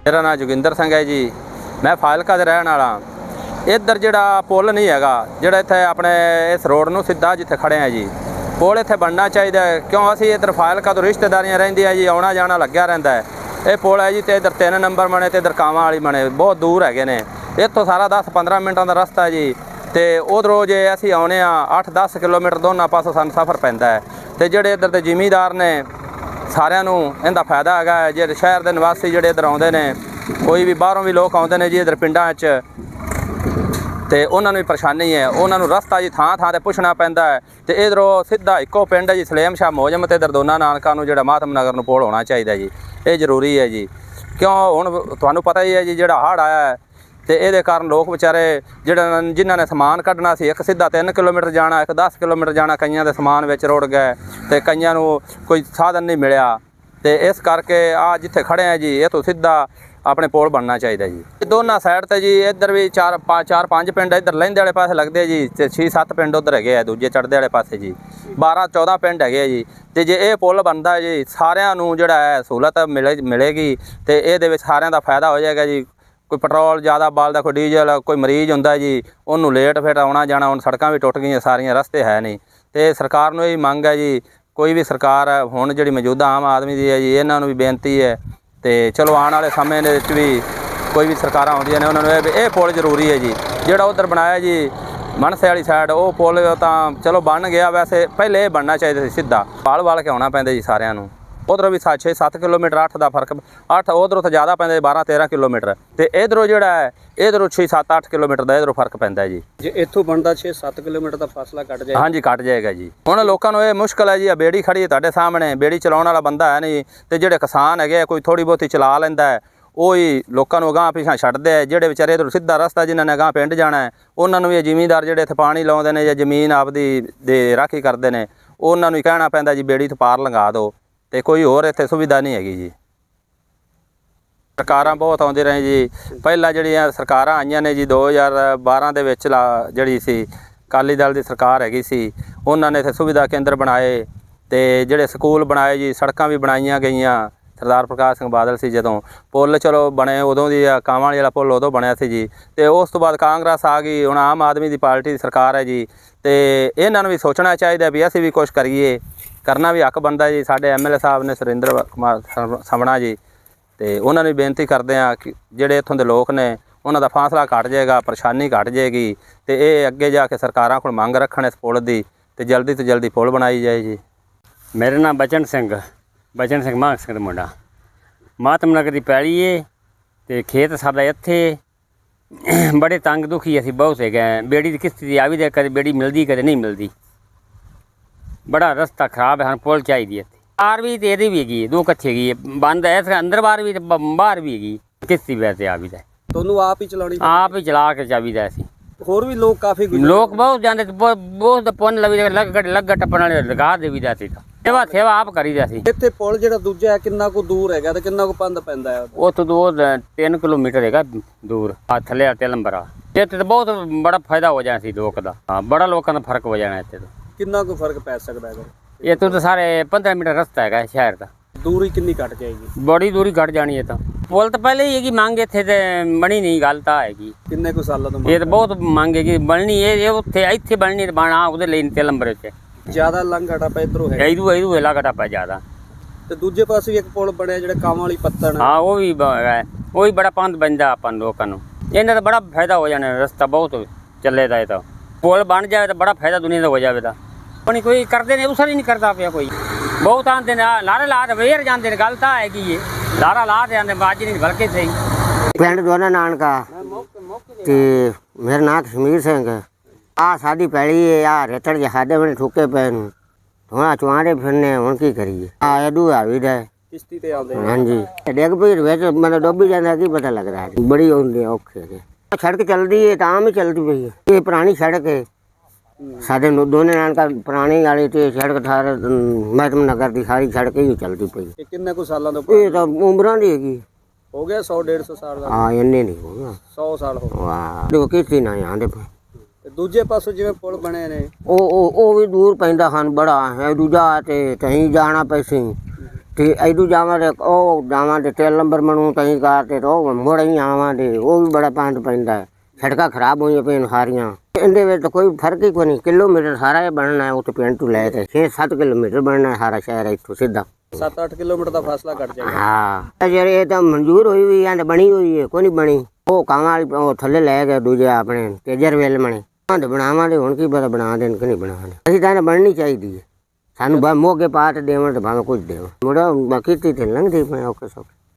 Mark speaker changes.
Speaker 1: मेरा नाम जोगिंदर सिंह है जी। मैं फाजिलका दे रहने वाला। इधर जिहड़ा पुल नहीं हैगा, जिहड़ा इत्थे अपने इस रोड नूं सीधा जिथे खड़े हैं जी, पुल इत्थे बनना चाहिए। क्यों असीं इधर फाजिलका तो रिश्तेदारियां रहिंदियां जी, आउणा जाना लग्या रहिंदा है। ये पुल है जी, तो इधर 3 नंबर बने तो इधर कावां वाली बने, बहुत दूर हैगे ने। इत्थों सारा 10-15 मिनटां दा रस्ता है जी। तो उधरों जे असीं आउणे आ 8-10 किलोमीटर दोनों पासों सानूं सफ़र पैंदा है। तो जिहड़े इधर दे जिमीदार ने सारिਆਂ ਨੂੰ ਇਹਦਾ ਫਾਇਦਾ ਹੈਗਾ। ਜਿਹੜੇ ਸ਼ਹਿਰ ਦੇ ਨਿਵਾਸੀ ਜਿਹੜੇ ਇੱਧਰ ਆਉਂਦੇ ਨੇ, ਕੋਈ ਵੀ ਬਾਹਰੋਂ ਵੀ ਲੋਕ ਆਉਂਦੇ ਨੇ ਜੀ ਇੱਧਰ ਪਿੰਡਾਂ 'ਚ, ਅਤੇ ਉਹਨਾਂ ਨੂੰ ਵੀ ਪਰੇਸ਼ਾਨੀ ਹੈ। ਉਹਨਾਂ ਨੂੰ ਰਸਤਾ ਜੀ ਥਾਂ ਥਾਂ 'ਤੇ ਪੁੱਛਣਾ ਪੈਂਦਾ ਹੈ। ਅਤੇ ਇੱਧਰੋਂ ਸਿੱਧਾ ਇੱਕੋ ਪਿੰਡ ਹੈ ਜੀ, ਸਲੇਮ ਸ਼ਾਹ ਮੋਜਮ, ਅਤੇ ਇੱਧਰ ਦੋਨਾਂ ਨਾਨਕਾਂ ਨੂੰ ਜਿਹੜਾ ਮਾਤਮ ਨਗਰ ਨੂੰ ਪੁਲ ਹੋਣਾ ਚਾਹੀਦਾ ਜੀ। ਇਹ ਜ਼ਰੂਰੀ ਹੈ ਜੀ। ਕਿਉਂ ਹੁਣ ਤੁਹਾਨੂੰ ਪਤਾ ਹੀ ਹੈ ਜੀ, ਜਿਹੜਾ ਹੜ੍ਹ ਆਇਆ ਹੈ ਅਤੇ ਇਹਦੇ ਕਾਰਨ ਲੋਕ ਵਿਚਾਰੇ ਜਿਹੜਾ ਜਿਨ੍ਹਾਂ ਨੇ ਸਮਾਨ ਕੱਢਣਾ ਸੀ, ਇੱਕ ਸਿੱਧਾ 3 ਕਿਲੋਮੀਟਰ ਜਾਣਾ, ਇੱਕ 10 ਕਿਲੋਮੀਟਰ ਜਾਣਾ, ਕਈਆਂ ਦੇ ਸਮਾਨ ਵਿੱਚ ਰੁੜ ਗਏ ਅਤੇ ਕਈਆਂ ਨੂੰ ਕੋਈ ਸਾਧਨ ਨਹੀਂ ਮਿਲਿਆ। ਅਤੇ ਇਸ ਕਰਕੇ ਆ ਜਿੱਥੇ ਖੜ੍ਹੇ ਹਾਂ ਜੀ, ਇਹ ਤੋਂ ਸਿੱਧਾ ਆਪਣੇ ਪੁਲ ਬਣਨਾ ਚਾਹੀਦਾ ਜੀ। ਦੋਨਾਂ ਸਾਈਡ 'ਤੇ ਜੀ ਇੱਧਰ ਵੀ 4-5 ਪਿੰਡ ਇੱਧਰ ਲਹਿੰਦੇ ਵਾਲੇ ਪਾਸੇ ਲੱਗਦੇ ਜੀ, ਅਤੇ 6-7 ਪਿੰਡ ਉੱਧਰ ਹੈਗੇ ਆ ਦੂਜੇ ਚੜ੍ਹਦੇ ਵਾਲੇ ਪਾਸੇ ਜੀ, 12-14 ਪਿੰਡ ਹੈਗੇ ਆ ਜੀ। ਅਤੇ ਜੇ ਇਹ ਪੁਲ ਬਣਦਾ ਜੀ, ਸਾਰਿਆਂ ਨੂੰ ਜਿਹੜਾ ਹੈ ਸਹੂਲਤ ਮਿਲੇਗੀ, ਅਤੇ ਇਹਦੇ ਵਿੱਚ ਸਾਰਿਆਂ ਦਾ ਫਾਇਦਾ ਹੋ ਜਾਏਗਾ ਜੀ। ਕੋਈ ਪੈਟਰੋਲ ਜ਼ਿਆਦਾ ਬਾਲਦਾ, ਕੋਈ ਡੀਜ਼ਲ, ਕੋਈ ਮਰੀਜ਼ ਹੁੰਦਾ ਜੀ, ਉਹਨੂੰ ਲੇਟ ਫਿਰ ਆਉਣਾ ਜਾਣਾ। ਹੁਣ ਸੜਕਾਂ ਵੀ ਟੁੱਟ ਗਈਆਂ ਸਾਰੀਆਂ, ਰਸਤੇ ਹੈ ਨਹੀਂ। ਅਤੇ ਸਰਕਾਰ ਨੂੰ ਇਹ ਮੰਗ ਹੈ ਜੀ, ਕੋਈ ਵੀ ਸਰਕਾਰ ਹੁਣ ਜਿਹੜੀ ਮੌਜੂਦਾ ਆਮ ਆਦਮੀ ਦੀ ਹੈ ਜੀ, ਇਹਨਾਂ ਨੂੰ ਵੀ ਬੇਨਤੀ ਹੈ। ਅਤੇ ਚਲੋ ਆਉਣ ਵਾਲੇ ਸਮੇਂ ਦੇ ਵਿੱਚ ਵੀ ਕੋਈ ਵੀ ਸਰਕਾਰਾਂ ਆਉਂਦੀਆਂ ਨੇ, ਉਹਨਾਂ ਨੂੰ ਇਹ ਪੁਲ ਜ਼ਰੂਰੀ ਹੈ ਜੀ। ਜਿਹੜਾ ਉੱਧਰ ਬਣਾਇਆ ਜੀ ਮਨਸੇ ਵਾਲੀ ਸਾਈਡ, ਉਹ ਪੁਲ ਤਾਂ ਚਲੋ ਬਣ ਗਿਆ, ਵੈਸੇ ਪਹਿਲੇ ਇਹ ਬਣਨਾ ਚਾਹੀਦਾ ਸੀ ਸਿੱਧਾ। ਵਾਲ ਕੇ ਆਉਣਾ ਪੈਂਦਾ ਜੀ ਸਾਰਿਆਂ ਨੂੰ। ਉਧਰੋਂ ਵੀ 6-7 ਕਿਲੋਮੀਟਰ, 8 ਦਾ ਫਰਕ, 8 ਉਧਰੋਂ ਤਾਂ ਜ਼ਿਆਦਾ ਪੈਂਦਾ 12-13 ਕਿਲੋਮੀਟਰ, ਅਤੇ ਇੱਧਰੋਂ ਜਿਹੜਾ ਹੈ ਇੱਧਰੋਂ 6-7-8 ਕਿਲੋਮੀਟਰ ਦਾ ਇੱਧਰੋਂ ਫਰਕ ਪੈਂਦਾ ਜੀ।
Speaker 2: ਜੇ ਇੱਥੋਂ ਬਣਦਾ 6-7 ਕਿਲੋਮੀਟਰ ਦਾ ਫਾਸਲਾ ਕੱਟ ਜਾਏਗਾ।
Speaker 1: ਹਾਂਜੀ ਕੱਟ ਜਾਏਗਾ ਜੀ। ਹੁਣ ਲੋਕਾਂ ਨੂੰ ਇਹ ਮੁਸ਼ਕਿਲ ਹੈ ਜੀ, ਆ ਬੇੜੀ ਖੜੀ ਹੈ ਤੁਹਾਡੇ ਸਾਹਮਣੇ, ਬੇੜੀ ਚਲਾਉਣ ਵਾਲਾ ਬੰਦਾ ਹੈ ਨਹੀਂ, ਅਤੇ ਜਿਹੜੇ ਕਿਸਾਨ ਹੈਗੇ ਕੋਈ ਥੋੜ੍ਹੀ ਬਹੁਤੀ ਚਲਾ ਲੈਂਦਾ ਹੈ, ਉਹ ਹੀ ਲੋਕਾਂ ਨੂੰ ਅਗਾਂਹ ਪਿਛਾਂ ਛੱਡਦੇ ਹੈ। ਜਿਹੜੇ ਵਿਚਾਰੇ ਇੱਧਰੋਂ ਸਿੱਧਾ ਰਸਤਾ ਜਿਨ੍ਹਾਂ ਨੇ ਅਗਾਂਹ ਪਿੰਡ ਜਾਣਾ ਹੈ, ਉਹਨਾਂ ਨੂੰ ਵੀ ਇਹ ਜ਼ਿਮੀਂਦਾਰ ਜਿਹੜੇ ਇੱਥੇ ਪਾਣੀ ਲਾਉਂਦੇ ਨੇ ਜਾਂ ਜ਼ਮੀਨ ਆਪਦੀ ਦੇ ਰਾਖੀ ਕਰਦੇ ਨੇ, ਉਹਨਾਂ ਨੂੰ ਹੀ ਕਹਿਣਾ ਪੈਂਦਾ ਜੀ ਬੇੜੀ ਤੋਂ ਪਾਰ ਲੰਘਾ ਦਿਓ, ਅਤੇ ਕੋਈ ਹੋਰ ਇੱਥੇ ਸੁਵਿਧਾ ਨਹੀਂ ਹੈਗੀ ਜੀ। ਸਰਕਾਰਾਂ ਬਹੁਤ ਆਉਂਦੇ ਰਹੇ ਜੀ। ਪਹਿਲਾਂ ਜਿਹੜੀਆਂ ਸਰਕਾਰਾਂ ਆਈਆਂ ਨੇ ਜੀ 2012 ਦੇ ਵਿੱਚ ਜਿਹੜੀ ਸੀ ਅਕਾਲੀ ਦਲ ਦੀ ਸਰਕਾਰ ਹੈਗੀ ਸੀ, ਉਹਨਾਂ ਨੇ ਇੱਥੇ ਸੁਵਿਧਾ ਕੇਂਦਰ ਬਣਾਏ, ਅਤੇ ਜਿਹੜੇ ਸਕੂਲ ਬਣਾਏ ਜੀ, ਸੜਕਾਂ ਵੀ ਬਣਾਈਆਂ ਗਈਆਂ। ਸਰਦਾਰ ਪ੍ਰਕਾਸ਼ ਸਿੰਘ ਬਾਦਲ ਸੀ ਜਦੋਂ, ਪੁੱਲ ਚਲੋ ਬਣੇ ਉਦੋਂ ਦੀ, ਕਾਵਾਂ ਵਾਲਾ ਪੁੱਲ ਉਦੋਂ ਬਣਿਆ ਸੀ ਜੀ। ਅਤੇ ਉਸ ਤੋਂ ਬਾਅਦ ਕਾਂਗਰਸ ਆ ਗਈ, ਹੁਣ ਆਮ ਆਦਮੀ ਦੀ ਪਾਰਟੀ ਦੀ ਸਰਕਾਰ ਹੈ ਜੀ। ਅਤੇ ਇਹਨਾਂ ਨੂੰ ਵੀ ਸੋਚਣਾ ਚਾਹੀਦਾ ਵੀ ਅਸੀਂ ਵੀ ਕੁਛ ਕਰੀਏ, ਕਰਨਾ ਵੀ ਹੱਕ ਬਣਦਾ ਜੀ। ਸਾਡੇ MLA ਸਾਹਿਬ ਨੇ ਸੁਰਿੰਦਰ ਕੁਮਾਰ ਸਮਣਾ ਜੀ, ਅਤੇ ਉਹਨਾਂ ਨੂੰ ਬੇਨਤੀ ਕਰਦੇ ਹਾਂ ਕਿ ਜਿਹੜੇ ਇੱਥੋਂ ਦੇ ਲੋਕ ਨੇ ਉਹਨਾਂ ਦਾ ਫਾਸਲਾ ਘੱਟ ਜਾਏਗਾ, ਪਰੇਸ਼ਾਨੀ ਘੱਟ ਜਾਏਗੀ, ਅਤੇ ਇਹ ਅੱਗੇ ਜਾ ਕੇ ਸਰਕਾਰਾਂ ਕੋਲ ਮੰਗ ਰੱਖਣ ਇਸ ਪੁਲ ਦੀ, ਅਤੇ ਜਲਦੀ ਤੋਂ ਜਲਦੀ ਪੁਲ ਬਣਾਈ ਜਾਏ ਜੀ।
Speaker 3: ਮੇਰਾ ਨਾਮ ਬਚਨ ਸਿੰਘ ਮਾਨ ਸਿੰਘ ਦਾ ਮੁੰਡਾ। ਮਾਤਮ ਨਗਰ ਦੀ ਪੈਲੀ ਹੈ, ਅਤੇ ਖੇਤ ਸਾਡਾ ਇੱਥੇ। ਬੜੇ ਤੰਗ ਦੁਖੀ ਅਸੀਂ ਬਹੁਤ ਹੈਗੇ। ਬੇੜੀ ਦੀ ਕਿਸ਼ਤੀ ਦੀ ਆ ਵੀ ਦੇ, ਕਦੇ ਬੇੜੀ ਮਿਲਦੀ ਕਦੇ ਨਹੀਂ ਮਿਲਦੀ। ਬੜਾ ਰਸਤਾ ਖਰਾਬ ਹੈ, ਪੁਲ ਚਾਹੀਦੀ ਇੱਥੇ। ਬਾਹਰ ਵੀ ਅਤੇ ਇਹਦੀ ਵੀ ਹੈਗੀ, ਦੋ ਕੱਚੇ ਹੈਗੀ, ਬੰਦ ਹੈ ਅੰਦਰ ਬਾਹਰ ਵੀ, ਅਤੇ ਬਾਹਰ ਵੀ ਹੈਗੀ ਕਿਸ਼ਤੀ। ਵੈਸੇ ਆ ਵੀ ਦਾ
Speaker 2: ਤੁਹਾਨੂੰ ਆਪ ਹੀ ਚਲਾਉਣੀ,
Speaker 3: ਆਪ ਹੀ ਚਲਾ ਕੇ ਚਾਹੀਦਾ ਅਸੀਂ।
Speaker 2: ਹੋਰ ਵੀ ਲੋਕ ਕਾਫੀ
Speaker 3: ਲੋਕ ਬਹੁਤ ਜਾਂਦੇ, ਬਹੁਤ ਪੁੰਨ ਲਵੀ ਲੱਗ ਟੱਪਣ ਵਾਲੇ ਲਗਾ ਦੇਵੀਦਾ ਸੀ। ਸੇਵਾ ਆਪ ਕਰੀਦਾ ਸੀ।
Speaker 2: ਇੱਥੇ ਪੁਲ ਜਿਹੜਾ ਦੂਜਾ ਹੈ ਕਿੰਨਾ ਕੁ ਦੂਰ ਹੈਗਾ ਅਤੇ ਕਿੰਨਾ ਕੁ ਪੰਧ ਪੈਂਦਾ ਹੈ?
Speaker 3: ਉੱਥੋਂ 2-3 ਕਿਲੋਮੀਟਰ ਹੈਗਾ ਦੂਰ। ਥੱਲੇ ਨੰਬਰ ਆ ਇੱਥੇ ਤਾਂ ਬਹੁਤ ਬੜਾ ਫਾਇਦਾ ਹੋ ਜਾਣਾ ਸੀ ਲੋਕ ਦਾ। ਹਾਂ, ਬੜਾ ਲੋਕਾਂ ਦਾ ਫਰਕ ਹੋ ਜਾਣਾ ਇੱਥੇ।
Speaker 2: ਕਿੰਨਾ ਕੁ ਫਰਕ ਪੈ ਸਕਦਾ ਹੈਗਾ?
Speaker 3: ਇੱਥੋਂ ਤਾਂ ਸਾਰੇ 15 ਮੀਟਰ ਰਸਤਾ ਹੈਗਾ ਸ਼ਹਿਰ ਦਾ।
Speaker 2: ਦੂਰੀ ਕਿੰਨੀ ਘੱਟ ਜਾਏਗੀ?
Speaker 3: ਬੜੀ ਦੂਰੀ ਘੱਟ ਜਾਣੀ ਹੈ। ਤਾਂ ਪੁਲ ਤਾਂ ਪਹਿਲੇ ਹੀ ਹੈਗੀ, ਮੰਗ ਇੱਥੇ ਤੇ ਬਣੀ ਨਹੀਂ, ਗੱਲ ਤਾਂ ਹੈਗੀ।
Speaker 2: ਕਿੰਨੇ ਕੁ ਸਾਲਾਂ ਤੋਂ
Speaker 3: ਇਹ ਤਾਂ ਬਹੁਤ ਮੰਗ ਹੈਗੀ ਬਣਨੀ। ਇਹ ਇੱਥੇ ਬਣਨੀ ਤੇ ਬਣਾ ਉਹਦੇ ਲਈ 3 ਨੰਬਰ 'ਚ
Speaker 2: ਜ਼ਿਆਦਾ ਲੰਘ ਘਟਾ ਇੱਧਰੋਂ ਹੈ,
Speaker 3: ਇਹਦੂ ਹਿਲਾ ਘਟਾ ਪੈ ਜ਼ਿਆਦਾ।
Speaker 2: ਤੇ ਦੂਜੇ ਪਾਸੇ ਵੀ ਇੱਕ ਪੁਲ ਬਣਿਆ ਜਿਹੜਾ ਕਾਵਾਂ ਵਾਲੀ ਪੱਤਣ।
Speaker 3: ਹਾਂ, ਉਹ ਵੀ ਹੈਗਾ, ਉਹ ਵੀ ਬੜਾ ਪੰਧ ਬਣਦਾ ਆਪਾਂ ਲੋਕਾਂ ਨੂੰ। ਇਹਨਾਂ ਦਾ ਬੜਾ ਫਾਇਦਾ ਹੋ ਜਾਣਾ, ਰਸਤਾ ਬਹੁਤ ਚੱਲੇ ਦਾ। ਇਹ ਤਾਂ ਪੁਲ ਬਣ ਜਾਵੇ ਤਾਂ ਬੜਾ ਫਾਇਦਾ ਦੁਨੀਆ ਦਾ ਹੋ ਜਾਵੇ। ਤਾਂ ਕੋਈ ਕਰਦੇ ਨੇ, ਉਸਰ ਹੀ ਨਹੀਂ ਕਰਦਾ ਪਿਆ ਕੋਈ। ਬਹੁਤ ਆਉਂਦੇ ਨੇ ਲਾਰੇ ਲਾ ਕੇ ਵੇਰ ਜਾਂਦੇ ਨੇ, ਗੱਲ ਤਾਂ ਹੈਗੀ ਏ। ਲਾਰਾ ਲਾ ਦੇ ਆਉਂਦੇ, ਬਾਜੀ ਨਹੀਂ ਬਲਕਿ ਸਹੀ।
Speaker 4: ਪਿੰਡ ਦੋਨਾ ਨਾਨਕਾ, ਅਤੇ ਮੇਰਾ ਨਾਂ ਕਸ਼ਮੀਰ ਸਿੰਘ। ਆਹ ਸਾਡੀ ਪੈਲੀ ਹੈ, ਆਹ ਰੇਤੜ ਜਿਹੇ ਸਾਡੇ ਬਣੇ ਠੁੱਕੇ ਪਏ ਨੂੰ, ਥੋੜ੍ਹਾ ਚੁਆਂਡੇ ਫਿਰਨੇ, ਹੁਣ ਕੀ ਕਰੀਏ? ਆਹ ਇਹਦੂ ਆਵੀ ਦਾ
Speaker 2: ਕਿਸ਼ਤੀ ਤੇ ਆਉਂਦੇ।
Speaker 4: ਹਾਂਜੀ, ਡਿੱਗ ਪਈ ਵਿੱਚ ਮਤਲਬ ਡੁੱਬੀ ਜਾਂਦਾ, ਕੀ ਪਤਾ ਲੱਗਦਾ ਹੈ। ਬੜੀ ਹੁੰਦੀ ਔਖੇ ਨੇ। ਸੜਕ ਚੱਲਦੀ ਹੈ ਤਾਂ ਆਮ ਹੀ ਚੱਲਦੀ ਪਈ ਹੈ। ਇਹ ਪੁਰਾਣੀ ਸੜਕ ਹੈ ਸਾਡੇ ਦੋਨੇ ਨਾਨਕਾ ਪੁਰਾਣੀ ਵਾਲੀ, ਅਤੇ ਸੜਕ ਠਾਰ ਮਹਿਤਮ ਨਗਰ ਦੀ ਸਾਰੀ ਸੜਕ ਹੀ ਚੱਲਦੀ ਪਈ।
Speaker 2: ਇਹ ਕਿੰਨੇ ਕੁ ਸਾਲਾਂ ਤੋਂ?
Speaker 4: ਇਹ ਤਾਂ ਉਮਰਾਂ ਦੀ ਹੈਗੀ।
Speaker 2: ਹੋ ਗਿਆ 100-150 ਸਾਲ ਦਾ?
Speaker 4: ਹਾਂ, ਇੰਨੇ ਨਹੀਂ ਹੋਗਾ,
Speaker 2: 100 ਸਾਲ ਹੋ ਗਏ।
Speaker 4: ਵਾਹ, ਦੇਖੋ ਕਿਸ਼ਤੀ ਨਾ ਆਉਂਦੇ ਪਏ।
Speaker 2: ਦੂਜੇ ਪਾਸੋਂ ਜਿਵੇਂ ਪੁਲ ਬਣੇ ਨੇ,
Speaker 4: ਉਹ ਵੀ ਦੂਰ ਪੈਂਦਾ ਹਨ, ਬੜਾ ਹੈ ਦੂਜਾ, ਤੇ ਕਹੀਂ ਜਾਣਾ ਪੈਸੀ, ਤੇ ਐਦੂ ਜਾਵਾਂਗੇ ਉਹ ਜਾਵਾਂਗੇ 3 ਨੰਬਰ ਮਨੂੰ ਤਹੀਂ ਕਾਰ ਤੇ ਉਹ ਮੁੜ ਹੀ ਆਵਾਂਗੇ ਉਹ ਵੀ ਬੜਾ ਪੰਦ ਪੈਂਦਾ ਹੈ। ਸੜਕਾਂ ਖਰਾਬ ਹੋਈਆਂ ਪਈਆਂ ਸਾਰੀਆਂ ਇਹਦੇ ਵਿੱਚ ਤਾਂ ਕੋਈ ਫਰਕ ਹੀ ਕੋਈ ਨਹੀਂ ਕਿਲੋਮੀਟਰ ਸਾਰਾ ਇਹ ਬਣਨਾ ਹੈ ਉੱਥੇ ਪਿੰਡ ਤੋਂ ਲੈ ਕੇ 6-7 ਕਿਲੋਮੀਟਰ ਬਣਨਾ ਹੈ ਸਾਰਾ ਸ਼ਹਿਰ ਇੱਥੋਂ ਸਿੱਧਾ
Speaker 2: 7-8 ਕਿਲੋਮੀਟਰ ਦਾ ਫਾਸਲਾ ਕੱਟ ਜਾਏਗਾ।
Speaker 4: ਹਾਂ ਜਿਹੜੇ ਇਹ ਤਾਂ ਮਨਜ਼ੂਰ ਹੋਈ ਹੋਈ ਹੈ ਬਣੀ ਹੋਈ ਹੈ ਕੋਈ ਨਹੀਂ ਬਣੀ ਉਹ ਕਾਂਵਾਂ ਵਾਲੀ ਉਹ ਥੱਲੇ ਲੈ ਗਏ ਦੂਜੇ ਆਪਣੇ ਤੇਜਰ ਵੇਲ ਮਣੇ ਤੇ ਬਣਾਵਾਂਗੇ ਹੁਣ ਕੀ ਪਤਾ ਬਣਾ ਦੇਣ ਕਿ ਨਹੀਂ ਬਣਾਉਣੇ ਅਸੀਂ ਤਾਂ ਬਣਨੀ ਚਾਹੀਦੀ ਹੈ ਸਾਨੂੰ ਮੋਗੇ ਪਾਟ ਦੇਵਣ ਤੇ ਭਾਵੇਂ ਕੁਝ ਦੇਵਣ ਮੁੜਾ ਬਾਕੀ ਤੇ ਲੰਘਦੇ ਪਏ ਔਖੇ ਸੌਖੇ।